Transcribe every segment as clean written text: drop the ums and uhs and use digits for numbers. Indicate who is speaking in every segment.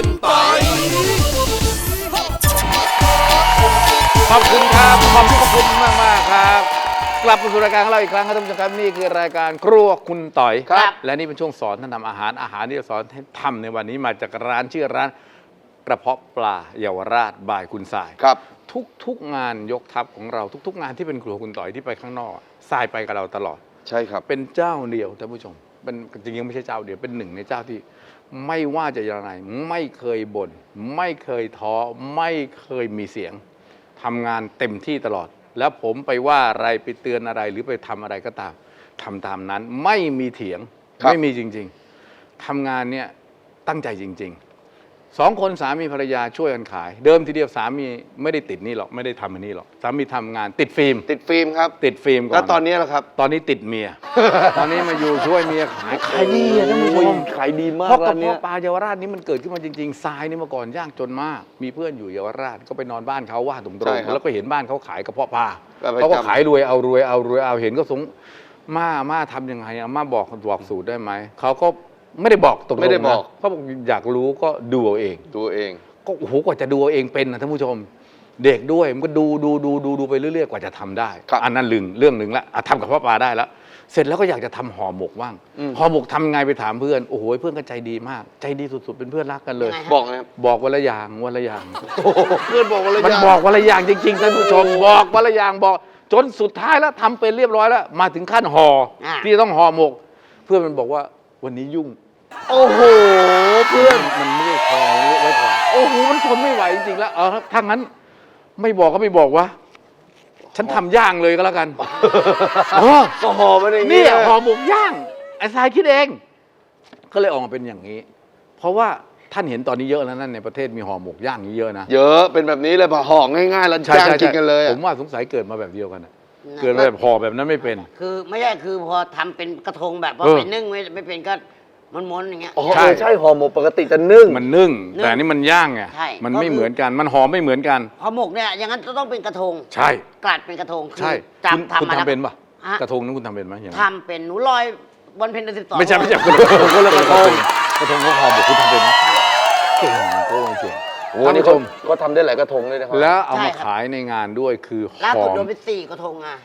Speaker 1: คุณปอย
Speaker 2: ขอบคุณครับขอบคุณมากครับกลับมาสู่รายการของเราอีกครั้งครับท่านผู้ชมครับนี่คือรายการครัวคุณต่อยครับและนี่เป็นช่วงสอนท่านทำอาหารที่จะสอนให้ทำในวันนี้มาจากร้านชื่อร้านกระเพาะปลาเยาวราชบายคุณสาย
Speaker 3: ครับ
Speaker 2: ทุกงานยกทัพของเราทุกงานที่เป็นครัวคุณต่อยที่ไปข้างนอกสายไปกับเราตลอด
Speaker 3: ใช่ครับ
Speaker 2: เป็นเจ้าเดียวท่านผู้ชมเป็นจริงๆไม่ใช่เจ้าเดียวเป็นหนึ่งในเจ้าที่ไม่ว่าจะยังไงไม่เคยบ่นไม่เคยท้อไม่เคยมีเสียงทำงานเต็มที่ตลอดแล้วผมไปว่าอะไรไปเตือนอะไรหรือไปทำอะไรก็ตามทำตามนั้นไม่มีเถียงไม่มีจริงๆทำงานเนี่ยตั้งใจจริงๆ2 คนสามีภรรยาช่วยกันขายเดิมทีเดียวสามีไม่ได้ติดนี่หรอกไม่ได้ทำอันนี้หรอกสามีทำงานติดฟิล์ม
Speaker 3: ครับ
Speaker 2: ติดฟิล์มก่อน
Speaker 3: แล้วตอนนี้ล่ะครับ
Speaker 2: ตอนนี้ติดเมีย ตอนนี้มาอยู่ช่วยเมียขายดีอะท่านผู้ชม
Speaker 3: ขายดีมาก
Speaker 2: เพราะกระเพาะปลาเยาวราชนี้มันเกิดขึ้นมาจริงๆทรายนี่เมื่อก่อนยากจนมากมีเพื่อนอยู่เยาวราชก็ไปนอนบ้านเขาว่าตรงๆแล้วก็เห็นบ้านเขาขายกระเพาะปลาเขาก็ขายรวยเอาเห็นก็สงม่าทำยังไงอะม่าบอกสูตรได้ไหมเขาก็ไม่ได้บอกตรงๆนะเขาบอกอยากรู้ก็ดูเอาเองก็โอ้โหกว่าจะดูเอาเองเป็นนะท่านผู้ชมเด็กด้วยมันก็ดูไปเรื่อยๆกว่าจะทำได้อันนั้นเรื่องหนึ่งละทำกับพ่อปลาได้แล้วเสร็จแล้วก็อยากจะทำห่อหมกบ้างห่อหมกทำไงไปถามเพื่อนโอ้โหเพื่อนก็ใจดีมากใจดีสุดๆเป็นเพื่อนรักกันเลยบอกวันละอย่างเพื่อนบอกวันละอย่างมันบอกวันละอย่างจริงๆท่านผู้ชมบอกวันละอย่างบอกจนสุดท้ายแล้วทำเป็นเรียบร้อยแล้วมาถึงขั้นห่อที่ต้องห่อหมกเพื่อนมันบอกว่าวันนี้ยุ่ง
Speaker 3: โอ้โหเพื่อน
Speaker 2: มันไม่ได้พอไว้ก่อนโอ้โหมันทนไม่ไหวจริงๆแล้วถ้างั้นไม่บอกก็ไม่บอกวะฉันทำย่างเลยก็แล้วกัน
Speaker 3: ก็ห่อมาอย่างนี้
Speaker 2: นี่ห่อหมกย่างไอ้ทรายคิดเองก็เลยออกมาเป็นอย่างนี้เพราะว่าท่านเห็นตอนนี้เยอะแล้วนั่นในประเทศมีห่อหมกย่างนี้เยอะนะ
Speaker 3: เยอะเป็นแบบนี้เลยพอห่อง่ายๆแล้วย่างกินกันเลย
Speaker 2: ผมว่าสงสัยเกิดมาแบบเดียวกันเกิดแบบห่อแบบนั้นไม่เป็น
Speaker 4: คือไม่ใช่คือพอทำเป็นกระทงแบบพอไปนึ่งไม่เป็นก็ม้วนๆอย่างเงี้ย
Speaker 3: ใช่ห่อหมกปกติจะนึ่ง
Speaker 2: มันนึ่งแต่นี่มันย่างไงมันไม่เหมือนกันมันห่อไม่เหมือนกัน
Speaker 4: ห่อหมกเนี่ยอย่างนั้นต้องเป็นกระทง
Speaker 2: ใช่
Speaker 4: กลัดเป็นกระทง
Speaker 2: ใช่คุณทำเป็นป่ะกระทงนั้นคุณทำเป็นไหม
Speaker 4: ทำเป็นหนูลอยวันเพ็ญเดือน12
Speaker 2: ไม่ใช่กระทงคนละกระทงเขาห่อหมกคุณทำเป็นไหมเก่งโก้เก่ง
Speaker 3: ท่านผู้ชมก็ทำได้หลายกระทงเลยนะครับ
Speaker 2: แล้วเอามาขายในงานด้วยคือ
Speaker 4: ล่าสุดโดนไป4กระทงอ่ะ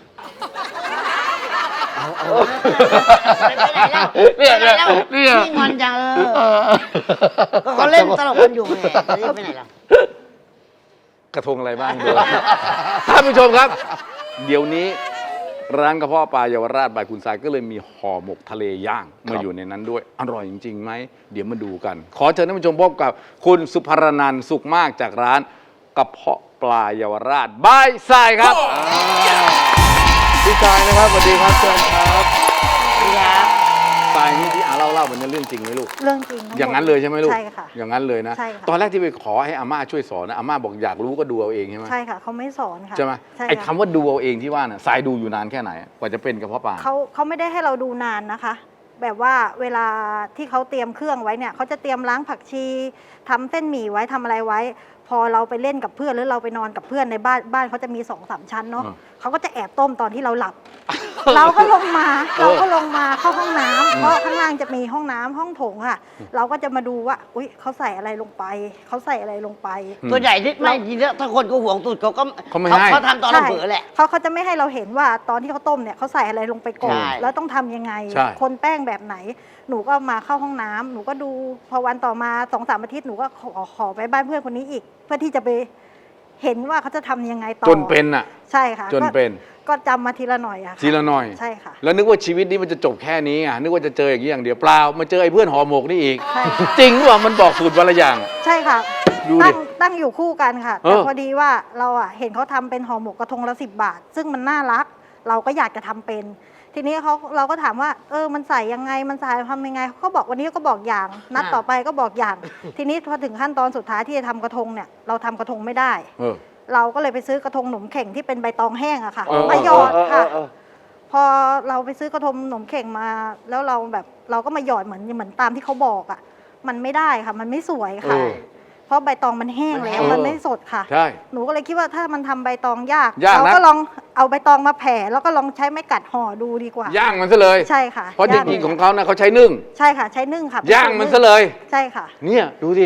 Speaker 4: เนี่ยนี่งอนจังก็เขาเล่นตลกกันอยู่ไงไปไหนล่ะ
Speaker 2: กระทงอะไรบ้างดูท่านผู้ชมครับเดี๋ยวนี้ร้านกระเพาะปลาเยาวราชบายคุณสายก็เลยมีห่อหมกทะเลย่างมาอยู่ในนั้นด้วยอร่อยจริงๆไหมเดี๋ยวมาดูกันขอเชิญท่านผู้ชมพบกับคุณสุภรนันท์สุขมากจากร้านกระเพาะปลาเยาวราชบายสายครับพี่ชายนะครับสวัสดีครับเชิญครับทรายนี่ที่เล่ามันเป็นเรื่องจริงไหมลูก
Speaker 5: เรื่องจริง
Speaker 2: อย่างนั้นเลยใช่ไหมลูก
Speaker 5: ใช่ค่ะ
Speaker 2: อย่างนั้นเลยนะตอนแรกที่ไปขอให้อาม่าช่วยสอนนะอาม่าบอกอยากรู้ก็ดูเอาเองใช่ไหม
Speaker 5: ใช่ค่ะเขาไม่สอนค่ะ
Speaker 2: ใช่ไหมไอ้คำว่าดูเอาเองที่ว่าน่ะทรายดูอยู่นานแค่ไหนกว่าจะเป็นกระเพาะปลา
Speaker 5: เขาไม่ได้ให้เราดูนานนะคะแบบว่าเวลาที่เขาเตรียมเครื่องไว้เนี่ยเขาจะเตรียมล้างผักชีทำเส้นหมี่ไว้ทำอะไรไว้พอเราไปเล่นกับเพื่อนหรือเราไปนอนกับเพื่อนในบ้านเขาจะมี2-3 ชั้นเนาะเขาก็จะแอบต้มตอนที่เราหลับเราก็ลงมาเข้าห้องน้ำเพราะข้างล่างจะมีห้องน้ำห้องโถงค่ะเราก็จะมาดูว่าอุ๊ยเขาใส่อะไรลงไป
Speaker 4: ตัวใหญ่ที่ไม่จริงๆถ้าคนก็ห่วงตูดเขาทำตอนเราเผลอแหละ
Speaker 5: เขาจะไม่ให้เราเห็นว่าตอนที่เขาต้มเนี่ยเขาใส่อะไรลงไปก่อนแล้วต้องทำยังไงคนแป้งแบบไหนหนูก็มาเข้าห้องน้ำหนูก็ดูพอวันต่อมา2-3 อาทิตย์หนูก็ขอไปบ้านเพื่อนคนนี้อีกเพื่อที่จะไปเห็นว่าเขาจะทำยังไงต่อ
Speaker 2: จนเป็นอ่ะ
Speaker 5: ใช่ค่ะ
Speaker 2: จนเป็น
Speaker 5: ก็จำมาทีละหน่อยอะ
Speaker 2: ทีละหน่อย
Speaker 5: ใช่ค่ะ
Speaker 2: แล้วนึกว่าชีวิตนี้มันจะจบแค่นี้อ่ะนึกว่าจะเจออย่างนี้อย่างเดียวเปล่ามาเจอไอ้เพื่อนห่อหมกนี่อีกจริงหรือเปล่ามันบอกสูตรวันละอย่าง
Speaker 5: ใช่ค่ะตั้งอยู่คู่กันค่ะแต่พอดีว่าเราอะเห็นเขาทำเป็นห่อหมกกระทงละ10 บาทซึ่งมันน่ารักเราก็อยากจะทำเป็นทีนี้เราก็ถามว่ามันใส่ยังไงมันใส่ทำยังไงเขาบอกวันนี้ก็บอกอย่างนัดต่อไปก็บอกอย่างทีนี้พอถึงขั้นตอนสุดท้ายที่จะทำกระทงเนี่ยเราทำกระทงไม่ได้เราก็เลยไปซื้อกระทงหนมเข่งที่เป็นใบตองแห้งอะค่ะมาหยอดค่ะพอเราไปซื้อกระทงหนมเข่งมาแล้วเราก็มาหยอดเหมือนตามที่เขาบอกอะมันไม่ได้ค่ะมันไม่สวยค่ะเพราะใบตองมันแห้งแล้วมันไม่สดค่ะหนูก็เลยคิดว่าถ้ามันทำใบตองยากเราก็ลองเอาใบตองมาแผ่แล้วก็ลองใช้ไม้กัดห่อดูดีกว่า
Speaker 2: ย่างมันซะเลย
Speaker 5: ใช่ค่ะ
Speaker 2: เพราะจริงๆของเขานะเขาใช้นึ่ง
Speaker 5: ใช่ค่ะใช้นึ่งค่ะ
Speaker 2: ย่างมันซะเลย
Speaker 5: ใช่ค่ะ
Speaker 2: เนี่ยดูดิ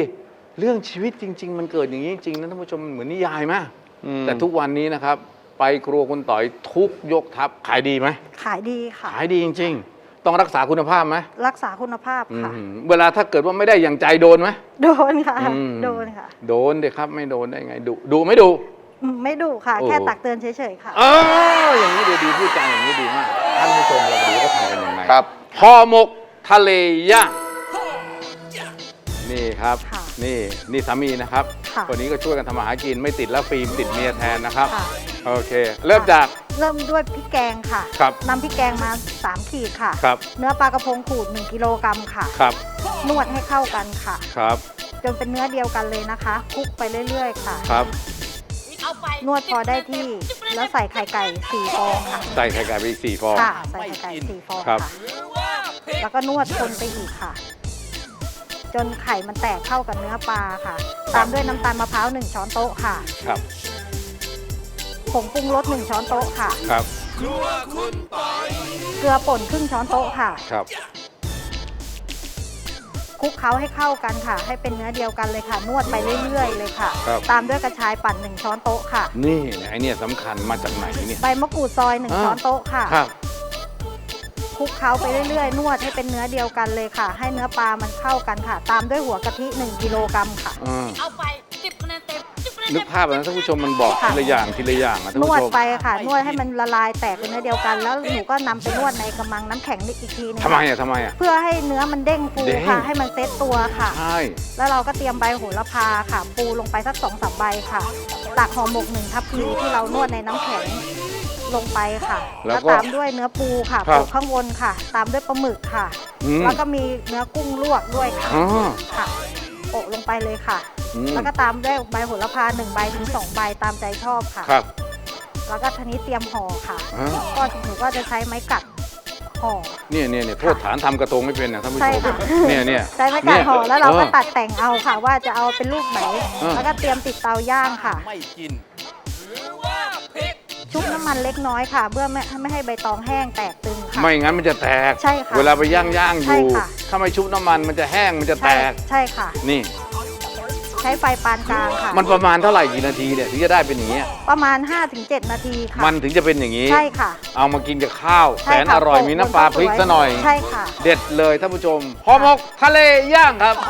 Speaker 2: เรื่องชีวิตจริง ๆ มันเกิดอย่างนี้จริงๆนะท่านผู้ชมมันเหมือนนิยายไหมแต่ทุกวันนี้นะครับ ไปครัวคุณต่อยทุกยกทัพขายดีไหม
Speaker 5: ขายดีค่ะ
Speaker 2: ขายดีจริง ๆ ต้องรักษาคุณภาพไหม
Speaker 5: รักษาคุณภาพค่ะ
Speaker 2: เวลาถ้าเกิดว่าไม่ได้อย่างใจโดนไหม
Speaker 5: โดนค่ะ โดนค่ะ
Speaker 2: โดนเด็กครับไม่โดนได้ไงดุไม่ดุ
Speaker 5: ไม่ดุค่ะ
Speaker 2: โอ้
Speaker 5: แค่ตักเตือนเฉยๆค่ะ
Speaker 2: อย่างนี้ดีพูดจาอย่างนี้ดีมากท่านผู้ชมเรามาดูว่าเขาทำกันยังไง
Speaker 3: ครับ
Speaker 2: ห่อหมกทะเลย่างนี่ครับ
Speaker 5: ค่ะ
Speaker 2: นี่สามีนะครับ
Speaker 5: ค่ะ
Speaker 2: คนนี้ก็ช่วยกันทำอาหารกินไม่ติดแล้วฟิล์มติดเมียแทนนะครับ
Speaker 5: ค่ะ
Speaker 2: โอเค เริ่มจาก
Speaker 5: เริ่มด้วยพริกแกงค่ะ
Speaker 2: ครับ
Speaker 5: นำพริกแกงมา 3 ขีดค่ะ
Speaker 2: ครับ
Speaker 5: เนื้อปลากระพงขูด 1 กิโลกรัมค่ะ
Speaker 2: ครับ
Speaker 5: นวดให้เข้ากันค่ะ
Speaker 2: ครับ
Speaker 5: จนเป็นเนื้อเดียวกันเลยนะคะคลุกไปเรื่อยๆค่ะ
Speaker 2: ครับ
Speaker 5: นวดพอได้ที่ แล้วใส่ไข่ไก่ 4 ฟองค่ะ
Speaker 2: ใส่ไข่ไก่ไปอีก4 ฟอง
Speaker 5: ค่ะ ใส่ไข่ไก่ 4 ฟอง
Speaker 2: ครับ
Speaker 5: ค่ะ แล้วก็นวดคนไปอีกค่ะ จนไข่มันแตกเข้ากับเนื้อปลาค่ะ ตามด้วยน้ำตาลมะพร้าว 1 ช้อนโต๊ะค่ะ
Speaker 2: ครับ
Speaker 5: ผงปรุงรส 1 ช้อนโต๊ะค่ะ
Speaker 2: ครับ
Speaker 5: เกลือป่นครึ่งช้อนโต๊ะค่ะ
Speaker 2: ครับ
Speaker 5: คลุกเคล้าให้เข้ากันค่ะ ให้เป็นเนื้อเดียวกันเลยค่ะ นวดไปเรื่อยๆเลยค่ะ
Speaker 2: ครับ
Speaker 5: ตามด้วยกระชายปั่น 1 ช้อนโต๊ะค่ะ
Speaker 2: นี่ไอเนี่ยสำคัญมาจากไหนเนี่ย
Speaker 5: ใบมะกรูดซอย 1 ช้อนโต๊ะค่ะ
Speaker 2: ครับ
Speaker 5: คลุกเคล้าไปเรื่อยๆ นวดให้เป็นเนื้อเดียวกันเลยค่ะ ให้เนื้อปลามันเข้ากันค่ะ ตามด้วยหัวกะทิ 1 กิโลกรัมค่ะ
Speaker 1: เอาไป10 คะแนนเต็ม10 คะแนน
Speaker 2: นึ
Speaker 1: เต็
Speaker 2: ก
Speaker 1: ม
Speaker 2: ภาพนะท่านผู้ชมมันบอก
Speaker 5: ค่ะ
Speaker 2: ทีละอย่างทีละอย่างนะท่าน
Speaker 5: นว
Speaker 2: ผู้
Speaker 5: ด
Speaker 2: ชม
Speaker 5: ไปค่ะ นวดให้มันละลายแตกเป็นเนื้อเดียวกัน แล้วหนูก็นำไปนวดในกระมังน้ำแข็งอีกทีนึง
Speaker 2: ทำไมอ่ะทำไมอ่ะ
Speaker 5: เพื่อให้เนื้อมันเด้งฟู
Speaker 2: เด้ง
Speaker 5: ค่ะ ให้มันเซ็ตตัวค่ะ
Speaker 2: ใช่
Speaker 5: แล้วเราก็เตรียมใบโหระพาค่ะ ปูลงไปสัก2-3 ใบค่ะ ตักห่อหมก 1 ทัพพีที่เรานวดในน้ำแข็งลงไปค่ะ แล้วตามด้วยเนื้อปูค่ะโปะข้างบนค่ะ ตามด้วยปลาหมึกค่ะ
Speaker 2: อืม
Speaker 5: แล้วก็มีเนื้อกุ้งลวกด้วยค่ะ
Speaker 2: อ๋อ
Speaker 5: ค่ะโปะลงไปเลยค่ะ
Speaker 2: อืม
Speaker 5: แล้วก็ตามด้วยใบโหระพา1 ใบถึง 2 ใบตามใจชอบค่ะ
Speaker 2: ครับ
Speaker 5: แล้วก็ทีนี้เตรียมห่อค่ะ
Speaker 2: อ่า
Speaker 5: ก็หนูก็จะใช้ไม้กัดห่อ
Speaker 2: เนี่ยโทษฐานทำกระทงไม่เป็นนะท่านผู้ช
Speaker 5: ใช่
Speaker 2: ม
Speaker 5: ค่ะ
Speaker 2: เนี่ย
Speaker 5: ใช้ไม้กัดห่อแล้วเราก็
Speaker 2: ออ
Speaker 5: ตัดแต่งเอาค่ะ ว่าจะเอาเป็นรูปไหน แล้วก็เตรียมติดเตาย่างค่ะ
Speaker 2: ไม่กิน
Speaker 5: ชุบน้ำมันเล็กน้อยค่ะ เพื่อไม่ให้ใบตองแห้งแตกตึงค่ะ
Speaker 2: ไม่งั้นมันจะแตก
Speaker 5: ใช่ค่ะ
Speaker 2: เวลาไปย่างอ
Speaker 5: ใช่
Speaker 2: ยู่
Speaker 5: ค่ะ
Speaker 2: ถ้าไม่ชุบน้ำมันมันจะแห้งมันจะแต
Speaker 5: ใช่
Speaker 2: ก
Speaker 5: ใช่ค่ะ
Speaker 2: นี่
Speaker 5: ใช้ไฟปานกลางค่ะ
Speaker 2: มันประมาณเท่าไหร่กี่นาทีเนี่ยถึงจะได้เป็นอย่างเงี้ย
Speaker 5: ประมาณ 5-7 นาทีค่ะ
Speaker 2: มันถึงจะเป็นอย่างนี้
Speaker 5: ใช่ค่ะ
Speaker 2: เอามากินกับข้าวแส
Speaker 5: ใช่
Speaker 2: น
Speaker 5: ค่ะ
Speaker 2: อร่อย
Speaker 5: โปะ
Speaker 2: มีน้ำปลา
Speaker 5: บน
Speaker 2: พริก
Speaker 5: ข้าวสวย
Speaker 2: ซะหน่อย
Speaker 5: ใช่ค่ะ
Speaker 2: เด็ดเลยท่านผู้ชมห่อหมกทะเลย่างครับ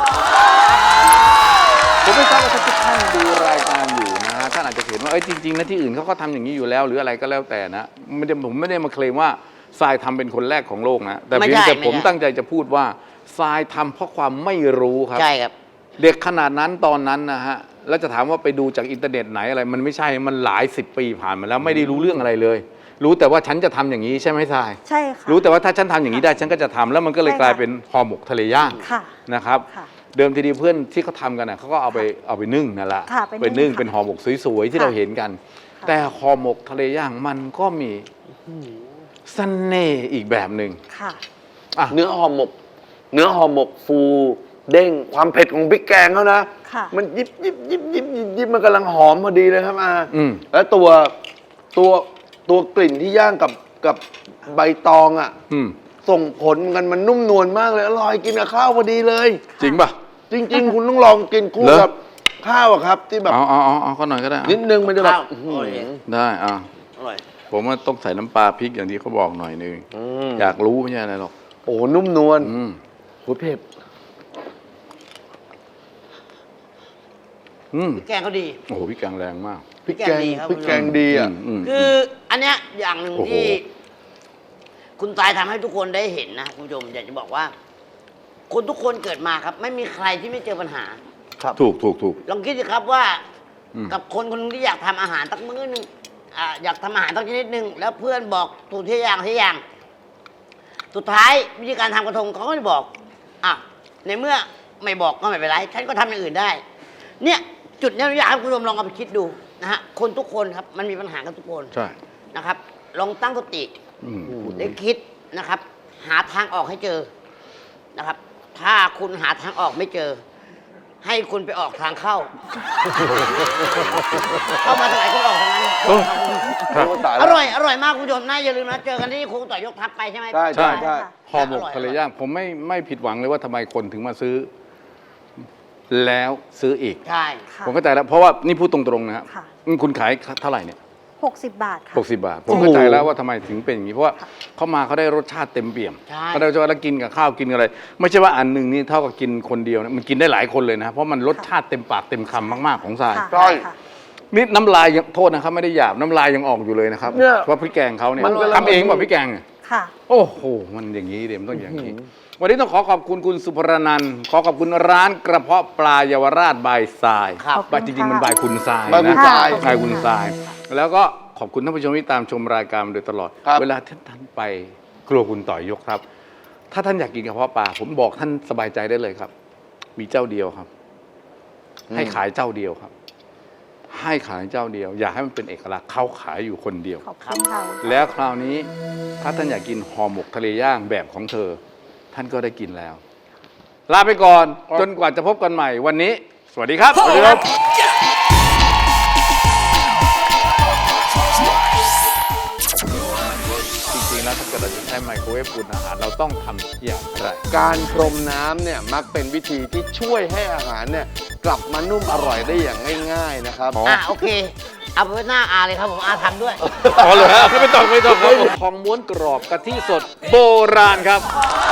Speaker 2: ผมไม่ทราบว่าทุกท่านดูรายการอยู่นะฮะท่านอาจจะเห็นว่าจริงๆนะที่อื่นเขาก็ทำอย่างนี้อยู่แล้วหรืออะไรก็แล้วแต่นะผมไม่ได้มาเคลมว่าทรายทำเป็นคนแรกของโลกนะแต่
Speaker 4: ไม่
Speaker 2: เพียง
Speaker 4: ใช่
Speaker 2: แต่
Speaker 4: ไม่
Speaker 2: ผม
Speaker 4: ใช่
Speaker 2: ตั้งใจจะพูดว่าทรายทำเพราะความไม่รู้ครับ
Speaker 4: ใช่ครับ
Speaker 2: เด็กขนาดนั้นตอนนั้นนะฮะแล้วจะถามว่าไปดูจากอินเทอร์เน็ตไหนอะไร มันไม่ใช่มันหลาย10 ปีผ่านมาแล้วไม่ได้รู้เรื่องอะไรเลย รู้แต่ว่าฉันจะทำอย่างนี้ใช่ไหมทราย
Speaker 5: ใช่ค่ะ
Speaker 2: รู้แต่ว่าถ้าฉันทำอย่างนี้ได้ฉันก็จะทำแล้วมันก็เลย
Speaker 5: ใช่ค่ะ
Speaker 2: กลายเป็นห่อหมกทะเลย่าง
Speaker 5: ค่ะ
Speaker 2: นะครับ
Speaker 5: ค่ะ
Speaker 2: เดิมทีเดียวเพื่อนที่เขาทำกันน่ะเขาก็เอาไปนึ่งนั่นแหละ
Speaker 5: ค่ะ
Speaker 2: ไปนึ่ง
Speaker 5: ค่ะ
Speaker 2: เป็นห่อหมกสวยๆที่
Speaker 5: ค่ะ
Speaker 2: เราเห็นกัน
Speaker 5: ค่ะ
Speaker 2: แต่ห่อหมกทะเลย่างมันก็มีเสน่ห์อีกแบบหนึ่ง
Speaker 5: ค่ะ
Speaker 2: อ่ะ
Speaker 3: เนื้อห่อหมกฟูเด้งความเผ็ดของพริกแกงเขานะ
Speaker 5: ค่ะ
Speaker 3: มันยิบมันกำลังหอมพอดีเลยครับอา
Speaker 2: อืม
Speaker 3: แล้วตัวกลิ่นที่ย่างกับใบตองอ่ะ
Speaker 2: อืม
Speaker 3: ส่งผลกันมันนุ่มนวลมากเลย อร่อยกินกับข้าวพอดีเลย
Speaker 2: จริงป่ะ
Speaker 3: จริง ๆ คุณต้องลองกินคู่
Speaker 2: เหรอ
Speaker 3: กับข้าวอะครับ ที่แบบ
Speaker 2: เอาก็หน่อยก็ได้
Speaker 3: นิดนึงมันจะแบบ
Speaker 4: ข้าว
Speaker 3: อื้อหือ
Speaker 4: โอ้ย
Speaker 2: ได้อ่ะ
Speaker 4: อร่อย
Speaker 2: ผมว่าต้องใส่น้ำปลาพริกอย่างที่เขาบอกหน่อยนึง อยากรู้ไม่ใช่อะไรหรอก
Speaker 3: โอ้โหนุ่มนวล
Speaker 2: อืม
Speaker 3: โหเผ็ด
Speaker 2: อืม
Speaker 4: พริกแกงเขาดี
Speaker 2: โอ้โหพี่แกงแรงมาก
Speaker 3: พริกแกง
Speaker 4: พริกแกงดีครับ
Speaker 3: พริกแกงดีอ่ะ
Speaker 2: ม
Speaker 4: คืออันเนี้ยอย่างหนึ่ง
Speaker 2: โอ้โห
Speaker 4: ที่ คุณตายทำให้ทุกคนได้เห็นนะคุณผู้ชมอยากจะบอกว่า คนทุกคนเกิดมาครับ ไม่มีใครที่ไม่เจอปัญหา
Speaker 2: ถูก
Speaker 4: ลองคิดสิครับว่า
Speaker 2: อืม
Speaker 4: กับคนคนหนึงที่อยากทำอาหารสักมื้อหนึงอยากทำอาหารสักชนิดหนึ่งแล้วเพื่อนบอกถูกที่อย่างสุดท้ายวิธีการทำกระทงเขาก็ไม่บอกอ่ะในเมื่อไม่บอกก็ไม่เป็นไรฉันก็ทำอย่างอื่นได้ เนี่ย จุดเนี้ยอยากให้คุณผู้ชมลองเอาไปคิดดูนะฮะคนทุกคนครับมันมีปัญหากันทุกคน
Speaker 2: ใช่
Speaker 4: นะครับ ลองตั้งสติ
Speaker 2: อืม
Speaker 4: ได้คิดนะครับ หาทางออกให้เจอนะครับ ถ้าคุณหาทางออกไม่เจอ ให้คุณไปออกทางเข้า เข้ามาทางไหนคุณออกทางนั้น
Speaker 2: ครับ
Speaker 3: โอ้ตาย
Speaker 4: อ
Speaker 3: แล้ว
Speaker 4: ร่อยมากคุณผู้ชมนะอย่าลืมนะเจอกันที่ครูต่อยกทัพไปใช่ไหม
Speaker 3: ใช่
Speaker 2: ใช่
Speaker 3: ใช่
Speaker 2: ห่อหมกทะเลย่างผมไม่ผิดหวังเลยว่าทำไมคนถึงมาซื้อแล้วซื้ออีก
Speaker 4: ใช่
Speaker 5: ค่ะ
Speaker 2: ผมเข้าใจแล้วเพราะว่านี่พูดตรงๆนะครับ
Speaker 5: ค่ะ
Speaker 2: คุณขายเท่าไหร่เนี่ย
Speaker 5: 60 บาทค่ะ
Speaker 2: 60 บาท ผมเข้าใจแล้วว่าทำไมถึงเป็นอย่างนี้เพราะว่าเขามาเขาได้รสชาติเต็มเปี่ยม
Speaker 4: ใช่
Speaker 2: เขาได้รสชาติแล้วกินกับข้าวกินกับอะไร ไม่ใช่ว่าอันหนึ่งนี่เท่ากับกินคนเดียวนะมันกินได้หลายคนเลยนะเพราะมันรสชาติเต็มปากเต็มคำมากๆของทราย
Speaker 5: ค่ะ
Speaker 3: ใช่
Speaker 5: ค่ะ
Speaker 2: นี่น้ำลายยังโทษนะครับไม่ได้หยาบน้ำลายยังออกอยู่เลยนะครับ
Speaker 3: เนี่ย
Speaker 2: เพราะพริกแกงเขาเนี่ย
Speaker 3: มันกำลัง
Speaker 2: ทำเองแบบพริกแกงเนี่ย
Speaker 5: ค่ะ
Speaker 2: โอ้โหมันอย่างนี้เดี๋ยวมันต้องอย่างนี้ วันนี้ต้องขอขอบคุณคุณสุภรนันท์ขอขอบคุณร้านกระเพาะปลาเยาวราชบายทราย
Speaker 4: ครับ
Speaker 2: บายจริงๆมันบายคุณทราย
Speaker 3: บายคุณ
Speaker 2: นะ
Speaker 3: ทราย
Speaker 2: บายคุณทราย แล้วก็ขอบคุณท่านผู้ชมที่ตามชมรายการมาโดยตลอด
Speaker 3: ครับ
Speaker 2: เวลาท่านไปครัวคุณต่อยยกครับ ถ้าท่านอยากกินกระเพาะปลาผมบอกท่านสบายใจได้เลยครับ มีเจ้าเดียวครับ ให้ขายเจ้าเดียวครับ ให้ขายเจ้าเดียว อยากให้มันเป็นเอกลักษณ์เขาขายอยู่คนเดียว
Speaker 5: ขอบคุณค่ะ
Speaker 2: แล้วคราวนี้ถ้าท่านอยากกินห่อหมกทะเลย่างแบบของเธอ ท่านก็ได้กินแล้ว ลาไปก่อน จนกว่าจะพบกันใหม่วันนี้ สวัสดีครับ สวัสดีครับจริงๆแล้วถ้าเกิดเราจะใช้ไมโครเวฟอุ่นอาหารเราต้องทำอย่างไร
Speaker 3: การพรมน้ำเนี่ยมักเป็นวิธีที่ช่วยให้อาหารเนี่ยกลับมานุ่มอร่อยได้อย่างง่ายๆนะครับ
Speaker 4: โอเค เอาไปไว้หน้าอาเลยครับผมอาทำด้วย
Speaker 2: อ๋อเหรอฮะไม่ต้องครับทองม้วนกรอบกะทิสดโบราณครับ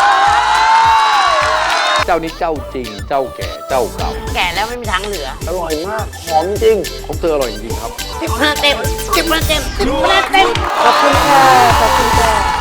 Speaker 2: เจ้านี้เจ้าจริง เจ้าแก่เจ้าเก่า
Speaker 4: แก่แล้วไม่มีทางเหลือ
Speaker 3: อร่อยมาก หอมจริง
Speaker 2: ของเธออร่อยจริงๆครับ
Speaker 4: 10 คะแนนเต็ม 10 คะแนนเต็ม 10 คะแนนเต็ม
Speaker 5: ขอบคุณค่ะ ขอบคุณค่ะ